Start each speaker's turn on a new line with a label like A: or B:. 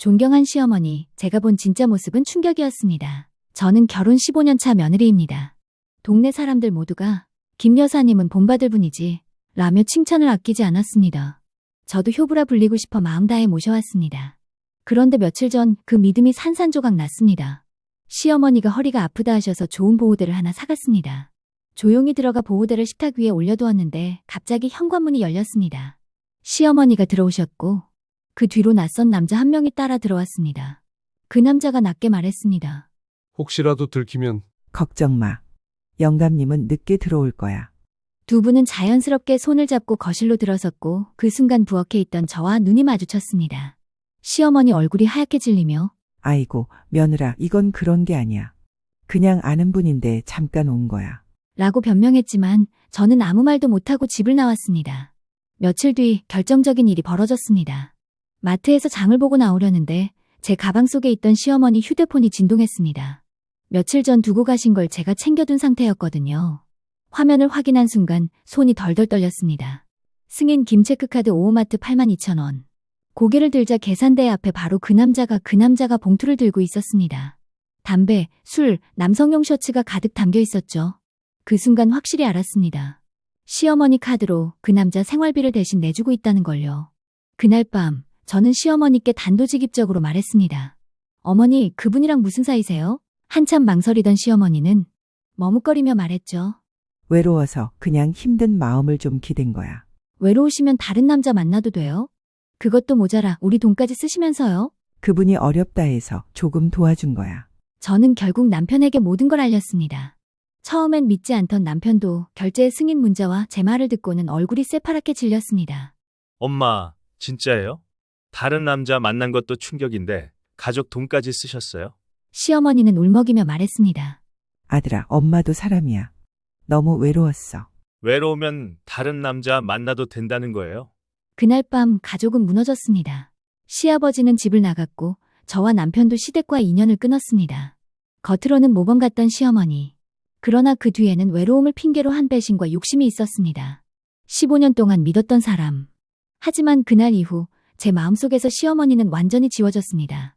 A: 존경한 시어머니, 제가 본 진짜 모습은 충격이었습니다. 저는 결혼 15년 차 며느리입니다. 동네 사람들 모두가 김 여사님은 본받을 분이지 라며 칭찬을 아끼지 않았습니다. 저도 효부라 불리고 싶어 마음 다해 모셔왔습니다. 그런데 며칠 전 그 믿음이 산산조각 났습니다. 시어머니가 허리가 아프다 하셔서 좋은 보호대를 하나 사갔습니다. 조용히 들어가 보호대를 식탁 위에 올려두었는데 갑자기 현관문이 열렸습니다. 시어머니가 들어오셨고 그 뒤로 낯선 남자 한 명이 따라 들어왔습니다. 그 남자가 낮게 말했습니다.
B: 혹시라도 들키면
C: 걱정 마. 영감님은 늦게 들어올 거야.
A: 두 분은 자연스럽게 손을 잡고 거실로 들어섰고 그 순간 부엌에 있던 저와 눈이 마주쳤습니다. 시어머니 얼굴이 하얗게 질리며
C: 아이고, 며느라, 이건 그런 게 아니야. 그냥 아는 분인데 잠깐 온 거야.
A: 라고 변명했지만 저는 아무 말도 못하고 집을 나왔습니다. 며칠 뒤 결정적인 일이 벌어졌습니다. 마트에서 장을 보고 나오려는데 제 가방 속에 있던 시어머니 휴대폰이 진동했습니다. 며칠 전 두고 가신 걸 제가 챙겨둔 상태였거든요. 화면을 확인한 순간 손이 덜덜 떨렸습니다. 승인 김체크카드 오호마트 82,000원. 고개를 들자 계산대 앞에 바로 그 남자가 봉투를 들고 있었습니다. 담배, 술, 남성용 셔츠가 가득 담겨 있었죠. 그 순간 확실히 알았습니다. 시어머니 카드로 그 남자 생활비를 대신 내주고 있다는 걸요. 그날 밤 저는 시어머니께 단도직입적으로 말했습니다. 어머니, 그분이랑 무슨 사이세요? 한참 망설이던 시어머니는 머뭇거리며 말했죠.
C: 외로워서 그냥 힘든 마음을 좀 기댄 거야.
A: 외로우시면 다른 남자 만나도 돼요? 그것도 모자라 우리 돈까지 쓰시면서요?
C: 그분이 어렵다 해서 조금 도와준 거야.
A: 저는 결국 남편에게 모든 걸 알렸습니다. 처음엔 믿지 않던 남편도 결제 승인 문자와 제 말을 듣고는 얼굴이 새파랗게 질렸습니다.
D: 엄마, 진짜예요? 다른 남자 만난 것도 충격인데 가족 돈까지 쓰셨어요?
A: 시어머니는 울먹이며 말했습니다.
C: 아들아, 엄마도 사람이야. 너무 외로웠어.
D: 외로우면 다른 남자 만나도 된다는 거예요?
A: 그날 밤 가족은 무너졌습니다. 시아버지는 집을 나갔고 저와 남편도 시댁과 인연을 끊었습니다. 겉으로는 모범 같던 시어머니. 그러나 그 뒤에는 외로움을 핑계로 한 배신과 욕심이 있었습니다. 15년 동안 믿었던 사람. 하지만 그날 이후 제 마음속에서 시어머니는 완전히 지워졌습니다.